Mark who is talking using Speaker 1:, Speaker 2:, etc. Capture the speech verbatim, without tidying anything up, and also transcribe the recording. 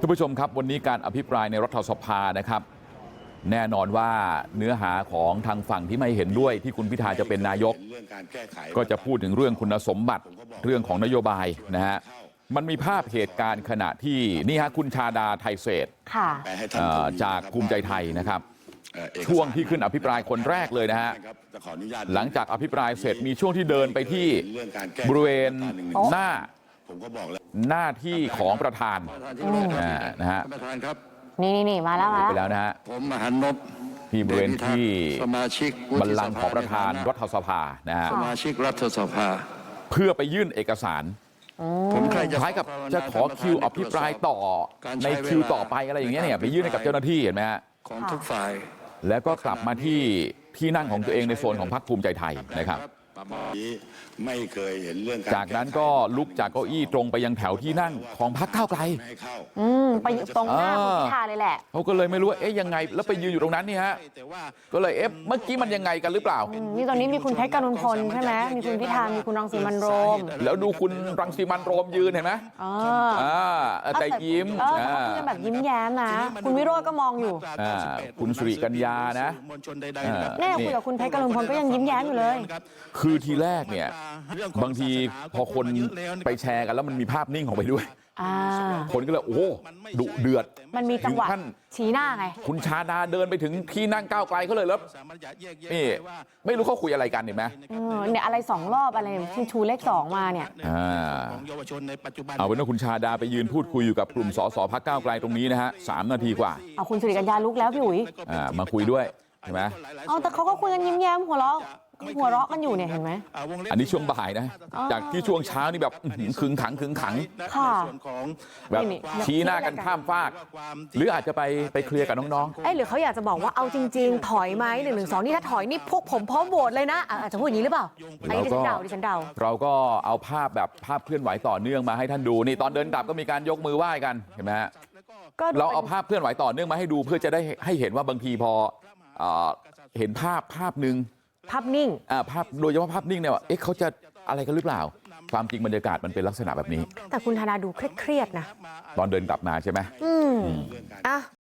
Speaker 1: ทุกผู้ชมครับวันนี้การอภิปรายในรัฐสภานะครับแน่นอนว่าเนื้อหาของทางฝั่งที่ไม่เห็นด้วยที่คุณพิธาจะเป็นนายกก็จะพูดถึงเรื่องคุณสมบัติเรื่องของนโยบายนะฮะมันมีภาพเหตุการณ์ขณะที่นี่ฮะคุณชาดาไทเศษจากภูมิใจไทยนะครับช่วงที่ขึ้นอภิปรายคนแรกเลยนะฮะหลังจากอภิปรายเสร็จมีช่วงที่เดินไปที่บริเวณหน้าหน้าที่ของประธานนะฮะ
Speaker 2: นี่นี่มาแล้วมา
Speaker 1: ไปแล้วนะฮะ
Speaker 3: ผมมหันนพ
Speaker 1: ที่บริเวณที่
Speaker 3: สมาชิก
Speaker 1: บัลลังก์ของประธานรัฐสภานะฮะ
Speaker 3: สมาชิกรัฐสภา
Speaker 1: เพื่อไปยื่นเอกสาร
Speaker 3: ผมใครจะ
Speaker 1: คล้ายกับจะขอคิวอภิปรายต่อในคิวต่อไปอะไรอย่างเงี้ยเนี่ยไปยื่นให้กับเจ้าหน้าที่เห็นไหมฮะ
Speaker 3: ของทุกฝ่าย
Speaker 1: แล้วก็กลับมาที่ที่นั่งของตัวเองในโซนของพรรคภูมิใจไทยนะครับ
Speaker 4: ไม่เคยเห็นเรื่อง
Speaker 1: จากนั้นก็ลุกจากเก้าอี้ตรงไปยังแถวที่นั่งของพรรคก้าวไกล
Speaker 2: อืมไปอยู่ตรงหน้าคุณพิธาเลยแหละ
Speaker 1: เขาก็เลยไม่รู้ว่าเอ๊ะยังไงแล้วไปยืนอยู่ตรงนั้นนี่ฮะก็เลยเอ๊ะเมื่อกี้มันยังไงกันหรือเปล่า
Speaker 2: นี่ตอนนี้มีคุณเพชรกรุณพลใช่ไหมมีคุณพิธามีคุณรังสีมันโรม
Speaker 1: แล้วดูคุณรังสีมันโรมยืนเห็นไหมอ่าแต่ยิ้ม
Speaker 2: อ่าแบบยิ้มแย้มนะคุณวิโรจน์ก็มองอยู่
Speaker 1: อ่าคุณสุริกัญญานะ
Speaker 2: แน่คุยกับคุณเพชรกรุณพลก็ยังยิ้มแย้มอยู่เลย
Speaker 1: คือทีแรกเนี่ยบางทีพอคนไปแชร์กันแล้วมันมีภาพนิ่งของไปด้วยคนก็เลยโอ้ดุเดือด
Speaker 2: มันมีจังหวะชี้หน้าไง
Speaker 1: คุณชาดาเดินไปถึงที่นั่งก้าวไกลเขาเลยแล้วนี่ไม่รู้เขาคุยอะไรกันเห็นไหม
Speaker 2: เนี่ยอะไรสองรอบอะไรที่ชูเลขสองมาเนี่ย
Speaker 1: เอาเป็นว่าคุณชาดาไปยืนพูดคุยอยู่กับกลุ่มสสพรรคก้าวไกลตรงนี้นะฮะสามนาทีกว่า
Speaker 2: เอาคุณสุริกัญญาลุกแล้วพี่อุ๋ย
Speaker 1: มาคุยด้วยใช่ไหม
Speaker 2: เอาแต่เขาก็คุยกันยิ้มแย้มหัวเราะหัวเราะกันอยู่เนี่ยเห็นไหม
Speaker 1: อันนี้ช่วงบ่ายนะจากที่ช่วงเช้านี่แบบขึงขังขึงขัง
Speaker 2: ค่ะ
Speaker 1: แบบชี้หน้ากันข้ามฟากหรืออาจจะไปไปเคลียร์กับน้องๆ
Speaker 2: เอ้หรือเขาอยากจะบอกว่าเอาจริงๆถอยไหมหนึ่งหนึ่งสองนี่ถ้าถอยนี่พวกผมพร้อมโหวตเลยนะอาจจะพูดอย่างนี้หรือเปล่าไอ้ดิฉันเดาดิฉันเดา
Speaker 1: เราก็เอาภาพแบบภาพเคลื่อนไหวต่อเนื่องมาให้ท่านดูนี่ตอนเดินกลับก็มีการยกมือไหว้กันเห็นไหมฮะเราเอาภาพเคลื่อนไหวต่อเนื่องมาให้ดูเพื่อจะได้ให้เห็นว่าบางทีพอเห็นภาพภาพหนึ่ง
Speaker 2: ภาพนิ่ง
Speaker 1: อ่าภาพโดยเฉพาะภาพนิ่งเนี่ยว่าเอ๊ะเขาจะอะไรกันหรือเปล่าความจริงบรรยากาศมันเป็นลักษณะแบบนี้
Speaker 2: แต่คุณธนาดูเครียดๆนะ
Speaker 1: ตอนเดินกลับมาใช่ไหม
Speaker 2: อืมอ่ะ